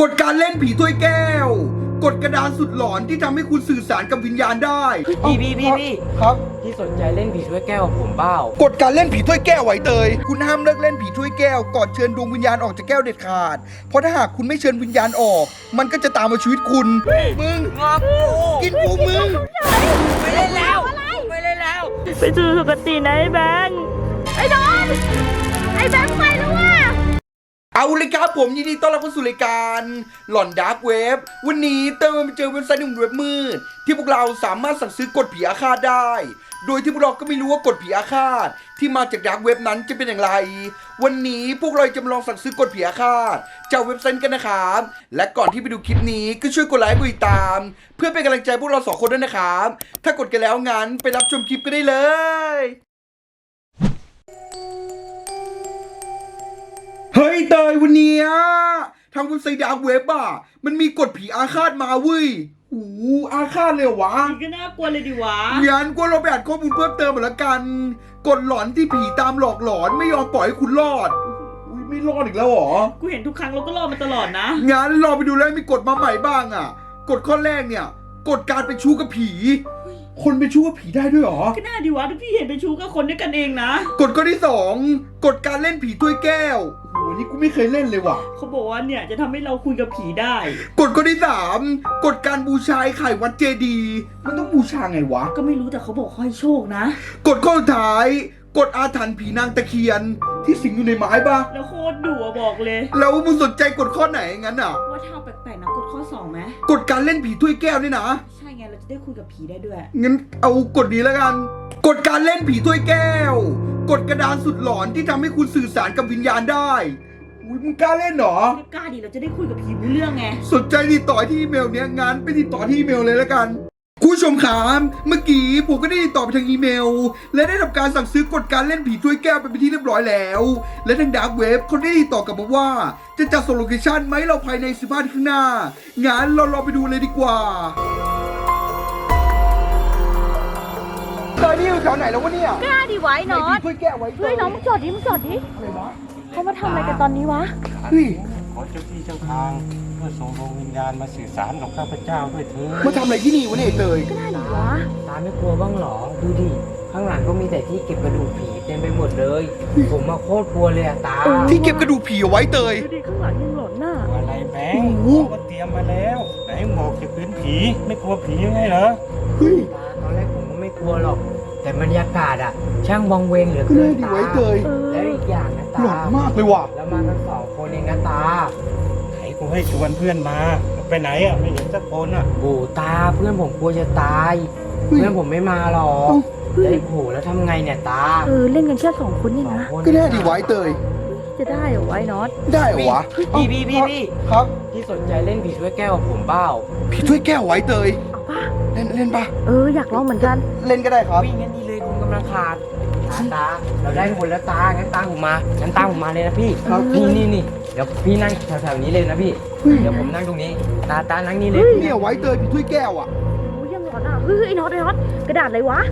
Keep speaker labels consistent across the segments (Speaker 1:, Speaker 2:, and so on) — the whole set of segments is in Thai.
Speaker 1: ฎการเล่นผีถ้วยแก้วกฎกระดานสุดหลอนที่ทำให้คุณสื่อสารกับวิญญาณได้
Speaker 2: พี่
Speaker 1: ครับ
Speaker 2: พี่สนใจเล่นผีถ้วยแก้วกับผมเปล่าก
Speaker 1: ฎการเล่นผีถ้วยแก้วไว้เตยคุณห้ามเลิกเล่นผีถ้วยแก้วก่อนเชิญดวงวิญญาณออกจากแก้วเด็ดขาดเพราะถ้าหากคุณไม่เชิญวิญญาณออกมันก็จะตามมาชีวิตคุณมึง
Speaker 2: งอกกู
Speaker 1: กินกูมึง
Speaker 2: ไม่เล่นแล้วไม่เล่นแล้ว
Speaker 3: ไปสู่สุคตินะไอ้แบงค์ไอ้ดอนไอ้แบงค์ไปแล้วว่ะ
Speaker 1: เอาเลยครับผมยินดีต้อนรับเข้าสู่รายการหลอนดาร์กเว็บวันนี้เติมมาเจอเว็บไซต์หนึ่งเว็บมืดที่พวกเราสามารถสั่งซื้อกฎผีอาฆาตได้โดยที่พวกเราก็ไม่รู้ว่ากฎผีอาฆาตที่มาจากดาร์กเว็บนั้นจะเป็นอย่างไรวันนี้พวกเราจะมาลองสั่งซื้อกฎผีอาฆาตจากเว็บไซต์กันนะครับและก่อนที่ไปดูคลิปนี้ก็ช่วยกดไลค์กดติดตามเพื่อเป็นกำลังใจพวกเราสองคนด้วยนะครับถ้ากดกันแล้วงั้นไปรับชมคลิปกันได้เลยเฮ้ยเตยวันนี้ทางเว็บไซต์ดาร์กเว็บมันมีกฎผีอาฆาตมาเว้ยโอ้อาฆาตเลยเหรอวะ
Speaker 3: นี่ก็น่ากลัวเลยดิวะ
Speaker 1: งั้นก็เราไปอ่านข้อมูลเพิ่มเติมหมดละกันกฎหลอนที่ผีตามหลอกหลอนไม่ยอมปล่อยให้คุณรอดไม่รอดอีกแล้วเหรอ
Speaker 3: กูเห็นทุกครั้งเราก็รอดมาตลอดนะ
Speaker 1: งั้นรอไปดูแล้วมีกฎมาใหม่บ้างกฎข้อแรกเนี่ยกฎการเป็นชู้กับผีคนเป็นชู้กับผีได้ด้วยเหรอ
Speaker 3: ก็น่าดิวะทุกพี่เห็นเป็นชู้กับคนด้วยกันเองนะ
Speaker 1: กฎข้อที่2กฎการเล่นผีถ้วยแก้วโอ้นี่กูไม่เคยเล่นเลยว่ะ
Speaker 3: เขาบอกว่าเนี่ยจะทำให้เราคุยกับผีได้
Speaker 1: กฎข้อที่3กฎการบูชาไข่วัดเจดีมันต้องบูชาไงวะ
Speaker 3: ก็ไม่รู้แต่เขาบอกให้โชคนะ
Speaker 1: กฎข้อสุดท้ายกฎอาถรรพ์ผีนางตะเคียนที่สิงอยู่ในไม้ปะ
Speaker 3: แล้วโคตรดุบอกเลย
Speaker 1: แล้วมึงสนใจกฎข้อไหนงั้น
Speaker 3: ว่าถ้าแปลกๆนะกฎข้อ2ไหม
Speaker 1: กฎการเล่นผีถ้วยแก้วนี่นะ
Speaker 3: ใช่ไงเราจะได้คุยกับผีได้ด้วย
Speaker 1: งั้นเอากฎนี้แล้วกันกฎการเล่นผีถ้วยแก้วกฎกระดานสุดหลอนที่ทำให้คุณสื่อสารกับวิญญาณได้อุ้ยมึงกล้าเล่นเหร
Speaker 3: อกล้าดิเราจะได้คุยกับผีรู้เรื่องไง
Speaker 1: สนใจติดต่อที่อีเมลเนี้ยงั้นไปติดต่อที่อีเมลเลยแล้วกันคุณผู้ชมครับเมื่อกี้ผมก็ได้ติดต่อไปทางอีเมลและได้ทำการสั่งซื้อกฎการเล่นผีถ้วยแก้วไปเป็นที่เรียบร้อยแล้วและทางดาร์กเว็บเขาได้ติดต่อกลับมาว่าจะจัดส่งโลเคชั่นไหมเราภายใน15นาทีข้างหน้างั้นเราไปดูเลยดีกว่าตอนนี้อยู่แถวไหนแล้ววะเนี่ย
Speaker 3: กล้าดิไว้เนาะ
Speaker 1: ถ้วยแก้วไว้
Speaker 3: เฮ้ยน้องมึงจอดดิเขามาทำอะไรกันตอนนี้วะ
Speaker 1: เฮ้ย
Speaker 4: ขอเจ้าที่เจ้าทางเพื่อส่งดวงวิญญาณมาสื่อสารกับข้าพเจ้าด้วยเถิด
Speaker 1: มาทำอะไรที่นี่วะเนี่ยเตย
Speaker 3: ก็น่าดิวะ
Speaker 2: ตาไม่กลัวบ้างหรอดูดิข้างหลังก็มีแต่ที่เก็บกระดูกผีเต็มไปหมดเลยผมมาโคตรกลัวเลยตา
Speaker 1: ที่เก็บกระดูกผีเอาไว้เตย
Speaker 3: ดูดิข้างหลังยังหลอนน่ะ
Speaker 4: อะไรแบงค์ก็เตรียมมาแล้วไหนบอกจะเป็นผีไม่กลัวผียังไงเหรอ
Speaker 1: เฮ้ย
Speaker 2: ตอนแรกผมก็ไม่กลัวหรอกแต่บรรยากาศช่างวังเวงเหลือเกินตาแล้วอีกอย่างนะตา
Speaker 1: หลอนมากเลยว่ะ
Speaker 2: แล้วมาทั้ง2คนเองนะตา
Speaker 4: ไหนกูให้ชวนเพื่อนมาไปไหนไม่เห็นสักคน
Speaker 2: โอ้ตาเพื่อนผมกลัวจะตายเพื่อนผมไม่มาหรอกแล้วโหแล้วทำไงเนี่ยตา
Speaker 3: เล่นกันแค่2คนนี่นะ
Speaker 1: ก็ได้ดีไว้เตย
Speaker 3: จะได้เหรอไว้น็อต
Speaker 1: ได้เหรอวะ
Speaker 2: พี่
Speaker 1: ครับ
Speaker 2: พี่สนใจเล่นผีถ้วยแก้วกับผมเปล่า
Speaker 1: ผีถ้วยแก้วไว้เตย
Speaker 3: เอาป่ะ
Speaker 1: เล่นป่ะ
Speaker 3: อยากลองเหมือนกัน
Speaker 1: เล่นก็ได้ครับ
Speaker 2: วิ่งงั้นนี่เลยคุณกำลังขาดตาเราได้คนแล้วตางั้นตามผมมาเลยนะพี่นี่เดี๋ยวพี่นั่งแถวๆนี้เลยนะพี่เดี๋ยวผมนั่งตรงนี้ตานั่งนี่เลย
Speaker 1: เนี่ยไว้เตยผีถ้วยแก้ว
Speaker 3: โอ้ยยังหลอนไอ้น็อตกระดาษอะไรวะ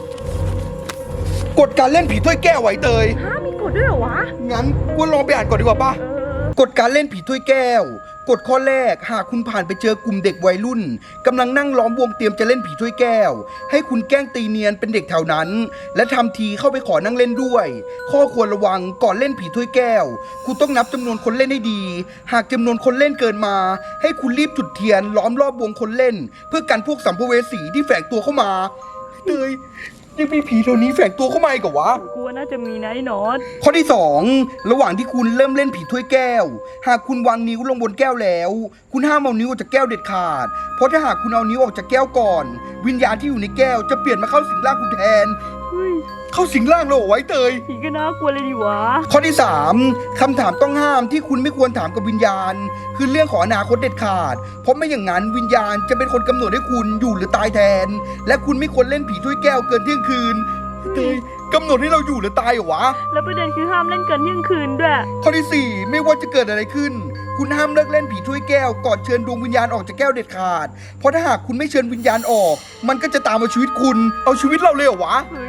Speaker 1: กฎการเล่นผีถ้วยแก้วไว้เตย
Speaker 3: มีกฎด้วยเหรอวะ
Speaker 1: งั้นกูลองไปอ่านก่อนดีกว่าป่ะกฎการเล่นผีถ้วยแก้วกฎข้อแรกหากคุณผ่านไปเจอกลุ่มเด็กวัยรุ่นกำลังนั่งล้อมวงเตรียมจะเล่นผีถ้วยแก้วให้คุณแกล้งตีเนียนเป็นเด็กแถวนั้นและทำทีเข้าไปขอนั่งเล่นด้วยข้อควรระวังก่อนเล่นผีถ้วยแก้วคุณต้องนับจำนวนคนเล่นให้ดีหากจำนวนคนเล่นเกินมาให้คุณรีบจุดเทียนล้อมรอบวงคนเล่นเพื่อกันพวกสัมภเวสีที่แฝงตัวเข้ามาเตยยังมีผีตัวนี้แฝงตัวเข้ามาอีกเหรอวะ
Speaker 3: กลัวน่าจะมีนะไอ้น็อต
Speaker 1: ข้อที่2ระหว่างที่คุณเริ่มเล่นผีถ้วยแก้วหากคุณวางนิ้วลงบนแก้วแล้วคุณห้ามเอานิ้วออกจากแก้วเด็ดขาดเพราะถ้าหากคุณเอานิ้วออกจากแก้วก่อนวิญญาณที่อยู่ในแก้วจะเปลี่ยนมาเข้าสิงร่างคุณแทนเข้าสิงร่างเราไว้เตย
Speaker 3: ผีก็น่ากลัวเลยดิวะ
Speaker 1: ข้อที่3คำถามต้องห้ามที่คุณไม่ควรถามกับวิญญาณคือเรื่องของอนาคตเด็ดขาดเพราะไม่อย่างนั้นวิญญาณจะเป็นคนกำหนดให้คุณอยู่หรือตายแทนและคุณไม่ควรเล่นผีถ้วยแก้วเกินเที่ยงคืนเตยกำหนดให้เราอยู่หรือตายเหรอวะ
Speaker 3: แล้วประเด็นคือห้ามเล่นเกินเที่ยงคืนด้วย
Speaker 1: ข้อที่4ไม่ว่าจะเกิดอะไรขึ้นคุณห้ามเลิกเล่นผีถ้วยแก้วก่อนเชิญดวงวิญญาณออกจากแก้วเด็ดขาดเพราะถ้าหากคุณไม่เชิญวิญญาณออกมันก็จะตามมาชีวิตคุณเอาชีวิตเราเลยเหรอวะ
Speaker 3: อย่างนี้ก็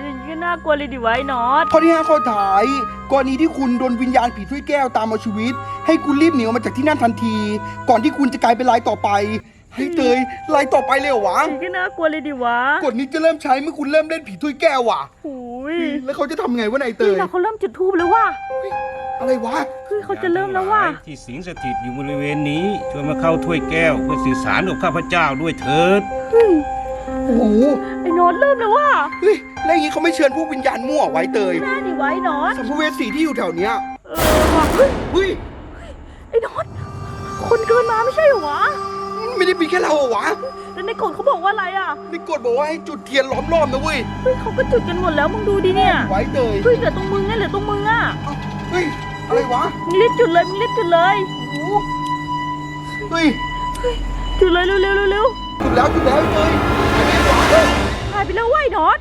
Speaker 3: น่ากลัวเลยดิไว้น็อต
Speaker 1: ข้อที่ 5 ข้อท้ายกรณีที่คุณโดนวิญญาณผีถ้วยแก้วตามเอาชีวิต ให้คุณรีบหนีออกมาจากที่นั่นทันที ก่อนที่คุณจะกลายเป็นรายต่อไปให้เตยรายต่อไปเลยเหรอวะ
Speaker 3: นี่ก็น่ากลัวเลยดิวะ
Speaker 1: กฎนี้จะเริ่มใช้เมื่อคุณเริ่มเล่นผีถ้วยแก้วว่ะ
Speaker 3: โอ้ย
Speaker 1: แล้วเขาจะทำไงวะนายเต
Speaker 3: นี่
Speaker 1: ย
Speaker 3: เราเขาเริ่มจุดธูปแล้วว่ะ
Speaker 1: อะไรวะ
Speaker 3: เฮ้ยเขาจะเริ่มแล้วว่ะ
Speaker 4: ที่สิงสถิตอยู่บริเวณนี้ช่วยมาเข้าถ้วยแก้วเพื่อสื่อสารกับข้าพเจ้าด้วยเถิด
Speaker 3: เฮ้ย
Speaker 1: โอ้โห
Speaker 3: ไอ้น็อตเริ่มแล้วว่ะ
Speaker 1: เฮ้ยแล้วอย่างนี้เขาไม่เชิญพวกวิญญาณมั่วไว้เตย
Speaker 3: น่าดิไว้น็อต
Speaker 1: สัมภเวสีที่อยู่แถวเนี้ย
Speaker 3: ว่ะเฮ้ย
Speaker 1: เฮ้ย
Speaker 3: ไอ้น็อตคนเกินมาไม่ใช่เหรอวะ
Speaker 1: ไม่ได้มีแค่เราเหรอวะ
Speaker 3: แล้วในกฎเขาบอกว่าอะไรอ่ะ
Speaker 1: ในกฎบอกว่าให้จุดเทียนล้อมรอบนะเว้ย
Speaker 3: เฮ้ยเขาก็จุดกันหมดแล้วมึงดูดิเนี่ย
Speaker 1: ไว้เตย
Speaker 3: เฮ้ยเหลือตรงมึงไงเหลือตรงมึงอ่ะ
Speaker 1: เอ้าเฮ้ยอะไรวะ
Speaker 3: มึงรีบจุดเลยมึงรีบจุดเลย
Speaker 1: โอ้โหเฮ้ย
Speaker 3: จุดเลยเร็วเร็วเร็วเร็ว
Speaker 1: จุดแล้วเตยอะไรวะ
Speaker 3: หายไปแล้วเว้ยน็อต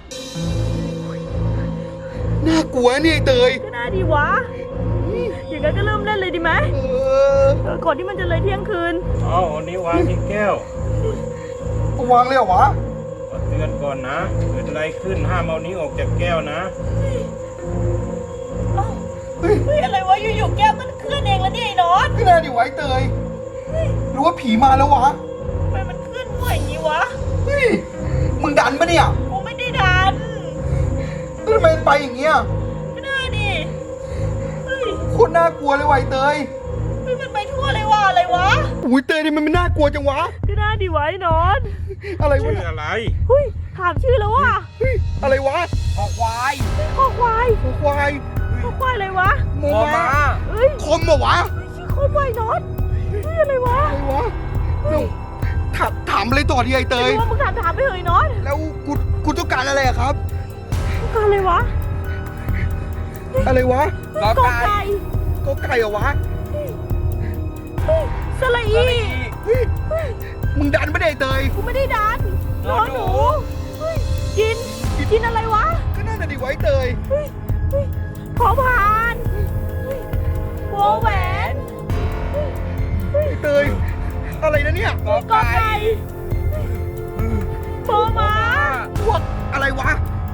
Speaker 1: น่ากลัวเนี่ยไอ้เตย
Speaker 3: ก็น่าดีวะอย่างนั้นก็เริ่มเล่นเลยดีไหม
Speaker 1: เออ
Speaker 3: ก่อนที่มันจะเลยเที่ยงคืน
Speaker 4: เอาอันนี้วางที่แก้ว
Speaker 1: เอาวางเลยเหรอวะ
Speaker 4: ขอเตือนก่อนนะเกิดอะไรขึ้นห้ามเอานี้ออกจากแก้วนะ
Speaker 1: เฮ้ย
Speaker 3: เฮ้ยอะไรวะอยู่ๆแก้วมันเคลื่อนเองแล้วเนี่ยไอ้น็อต
Speaker 1: ไม่น่าดิไว้เตยหรือว่าผีมาแล้ววะ
Speaker 3: ทำไมมันเคลื่อนไหวอย่างนี้วะ
Speaker 1: เฮ้ยมึงดันปะเนี่ย
Speaker 3: กูไม่ได้ดัน
Speaker 1: แล้วทำไมมันไปอย่างเงี้ย
Speaker 3: ก็น่าดิเฮ้ย
Speaker 1: โคตรน่ากลัวเลยไวะไอ้เตย
Speaker 3: เฮ้ยมันไปทั่วเลยว่ะอะไรวะ
Speaker 1: อุ้ยเตยนี่มันไม่น่ากลัวจังวะ
Speaker 3: ก็น่าดีไว้น็อต
Speaker 1: อะไรวะ
Speaker 4: ชื่อ
Speaker 1: เนี่ย
Speaker 4: อะไร
Speaker 3: เฮ้ยถามชื่อแล้วว่ะ
Speaker 1: เฮ้ยอะไรวะ
Speaker 2: คอควาย
Speaker 3: ข้อควาย
Speaker 1: หัวควาย
Speaker 3: ข้อควายอะไรวะ
Speaker 1: โม
Speaker 2: คอ
Speaker 1: มา
Speaker 2: ม้า
Speaker 3: เฮ้ย
Speaker 1: คมเหรอวะ
Speaker 3: ชื่อข้อควายน็อตเฮ้ยอะไรวะ
Speaker 1: อะไรวะเราถามอะไรต่อดีไอ้เต
Speaker 3: ไม่
Speaker 1: ย
Speaker 3: รู้ว่ามึงถามไปเหยน็อต
Speaker 1: แล้วกูต้องการอะไรอะครับ
Speaker 3: ต้องการอะไรวะ
Speaker 1: อะไรวะ
Speaker 3: กอไก่
Speaker 1: ก็ไก่เหรอวะ
Speaker 3: เฮ้ยสระอี
Speaker 1: เฮ้ยมึงดันไม่ได้ไอ้เตย
Speaker 3: กูไม่ได้ดันน้องหนูเฮ้ยกินอะไรวะ
Speaker 1: ก็น่าจะดีไว้เตย
Speaker 3: เฮ้ยขอผ่านเฮ้ยโวแหวน
Speaker 1: ไอ้เตย อะไรนะเนี่ย
Speaker 3: กอไก่โมม้า
Speaker 1: พวกอะไรวะ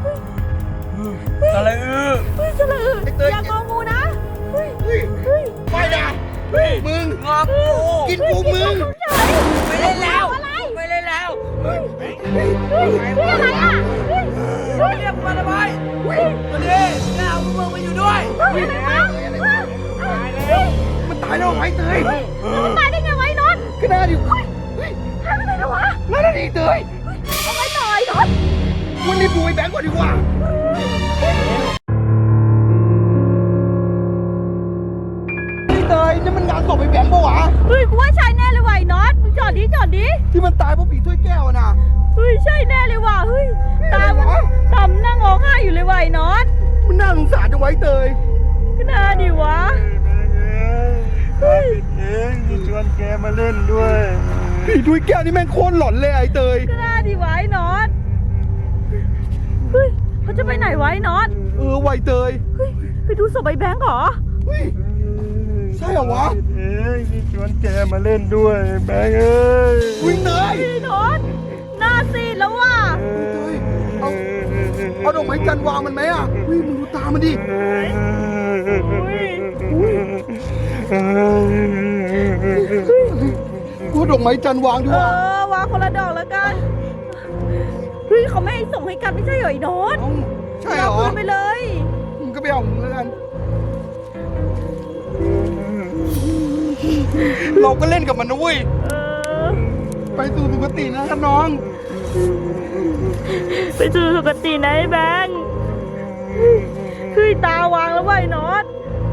Speaker 2: สระอือ
Speaker 3: เฮ้ยสระอือ
Speaker 1: ไอ้เตย
Speaker 3: อย่างงองูนะเฮ้ย
Speaker 1: เฮ้ย
Speaker 3: เฮ้ย
Speaker 1: ไม่นะมึง
Speaker 2: งอกู
Speaker 1: กินกูมึง
Speaker 2: ไม่เล่นแล้ว
Speaker 3: อะไร
Speaker 2: ไม่เล่นแล้ว
Speaker 3: เฮ้ยอะไรอ่ะเฮ้ยเฮ้ย
Speaker 2: เรียกมาทำไมมาดิแม่เอามึงมาอยู่ด้วย
Speaker 3: เฮ้ยอะไรวะเฮ้ย
Speaker 1: มันตายแล้วไอ้เตย
Speaker 3: มันตายได้ไงวะไอ้น็อต
Speaker 1: ก็น่าดิ
Speaker 3: เฮ้ยหายไปไหนแล้ววะ
Speaker 1: น่าดีเตย
Speaker 3: เอาไว้หน่อยน็อต
Speaker 1: วันนี้ดูไอ้แบงก์ก่อนดีกว่าไอ้เตยนี่มันงานศพไอ้แบงก์ปะวะ
Speaker 3: เฮ้ยกูว่าใช่แน่เลยว่ะไอ้น็อตมึงจอดดิ
Speaker 1: ที่มันตายเพราะผีถ้วยแก้วอะนะ
Speaker 3: เฮ้ยใช่แน่เลยว่ะเฮ้ยตามันตำนั่งร้องไห้อยู่เลยว่ะไอ้น็อต
Speaker 1: มันน่าสงสารจังไว้เตย
Speaker 3: ก็น่าดิวะ
Speaker 4: เฮ้ยเองที่ชวนแกมาเล่นด้วย
Speaker 1: ผีถ้วยแก้วนี่แม่งโคตรหลอนเลยไอ้เตย
Speaker 3: ก็น่าดิวะไอ้น็อตเฮ้ยเขาจะไปไหนวะไอ้น็อต
Speaker 1: ไวเตย
Speaker 3: เฮ้ยไปดูศพไอ้แบงค์เหรอ
Speaker 1: เฮ้ยใช่เหรอวะ
Speaker 4: เองที่ชวนแกมาเล่นด้วยแบงค์เอ้ย
Speaker 1: อุ้ยเตย
Speaker 3: ไอ้น็อตหน้าซีดแล้วว่ะ
Speaker 1: เตยเอาดอกไม้จันทร์วางมันไหมอ่ะเฮ้ยมึงดูตามันดิ กูดอกไม้จันทร์วางดีกว่า
Speaker 3: วางคนละดอกแล้วกันเฮ้ยเขาไม่ให้ส่งให้กันไม่ใช่เหรอไอ้น็อต
Speaker 1: เอ้าใช่เหร
Speaker 3: เอา
Speaker 1: อ
Speaker 3: คืนไปเลย
Speaker 1: มึงก็ไปเอาของมึงแล้วกัน เราก็เล่นกับมันนะเว้ย
Speaker 3: เออ
Speaker 1: ไปสู่สุคตินะครับน้อง
Speaker 3: ไปสู่สุคตินะไอ้แบงค์เฮ้ยตาวางแล้วว่ะไอ้น็อต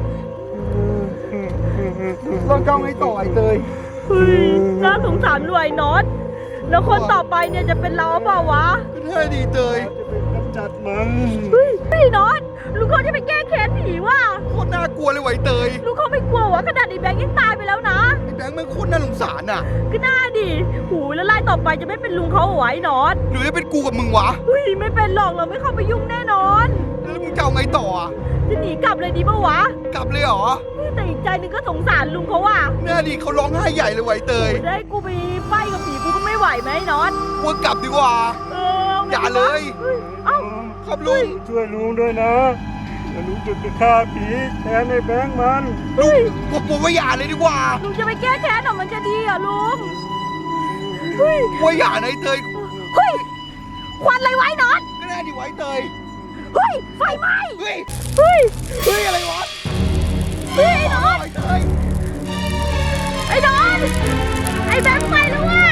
Speaker 1: เราจะเอาไงต่อไอ้เตย
Speaker 3: เฮ้ยน่าสงสารด้วยไอ้น็อตแล้วคนต่อไปเนี่ยจะเป็นเราเปล่าวะ
Speaker 1: ก็ได้ดีเตย
Speaker 4: จะเป็นกำจัดมัน
Speaker 3: เฮ้ยพี่น็อตลุงเขาจะไปแก้แค้นผีว่ะ
Speaker 1: โคตรน่ากลัวเลยไวะไอ้เตย
Speaker 3: ลุงเขาไม่กลัววะขนาดไอ้แบงค์ยังตายไปแล้วนะ
Speaker 1: ไอ้แบงค์แม่งโคตรน่าสงสารอ่ะ
Speaker 3: ก็น่าดิหูยแล้วไล่ต่อไปจะไม่เป็นลุงเขาเหรอวะไอ้น็อต
Speaker 1: หรือจะเป็นกูกับมึงวะ
Speaker 3: เฮ้ยไม่เป็นหรอกเราไม่เข้าไปยุ่งแน่นอน
Speaker 1: แล้วมึงจะเอาไงต่ออ่ะ
Speaker 3: จะหนีกลับเลยดีปะวะ
Speaker 1: กลับเลยเหรอ
Speaker 3: แต่อีกใจหนึงก็สงสารลุงเขาว่ะ
Speaker 1: แน่ดิเขาร้องไห้ใหญ่เลยไวะไอ้เตย
Speaker 3: จะให้กูไปไฟกับผีกูก็ไม่ไหวไหมไอ้น็อต
Speaker 1: ว่ากลับดีกว่า
Speaker 3: เออ
Speaker 1: อย่าเลย
Speaker 3: เอ้า
Speaker 1: ครับลุง
Speaker 4: ช่วยลุงด้วยนะเดี๋ยวลุงจะฆ่าผีแทนไอ้แบงค์มัน
Speaker 1: ลุงผมว่าอย่าเลยดีกว่า
Speaker 3: ลุงจะไปแก้แค้นเหรอมันจะดีเหรอลุงเฮ้ย
Speaker 1: ว่าอย่านะไอ้เตย
Speaker 3: เฮ้ยควันอะไรไว้นอน
Speaker 1: ก็ได้ดิไว้เตย
Speaker 3: เฮ้ยไฟไหม้
Speaker 1: เฮ้ย
Speaker 3: เฮ้ย
Speaker 1: เฮ้ยอะไรวะ
Speaker 3: เฮ้ยไอ้นอน
Speaker 1: ไอ้เตย
Speaker 3: ไอ้นอนไอ้แบงค์ไปแล้วว่ะ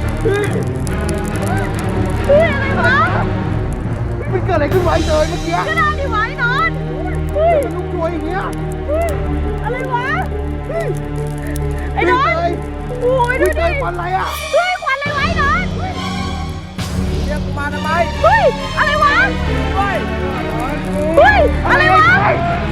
Speaker 3: เฮ้ยอะไรวะ
Speaker 1: มันเกิดอะไรขึ้นไว้เตยเมื่อกี้
Speaker 3: ก็ได้ดิวะไอ้นอนเฮ้ย
Speaker 1: ลุงช่วยอย่างเงี้ย
Speaker 3: เฮ้ยอะไรวะเฮ้ยไอ้นอน
Speaker 1: เตย
Speaker 3: โอ้ยดู
Speaker 1: เต
Speaker 3: ดิ
Speaker 1: ยควันอะไรอ่ะ
Speaker 3: เฮ้ยควันอะไรไว้นอน
Speaker 1: เรียกกูมาทำไม
Speaker 3: เฮ้ยอะไรวะ
Speaker 1: ด้วย
Speaker 3: เฮ้ยอะไรวะ
Speaker 1: เ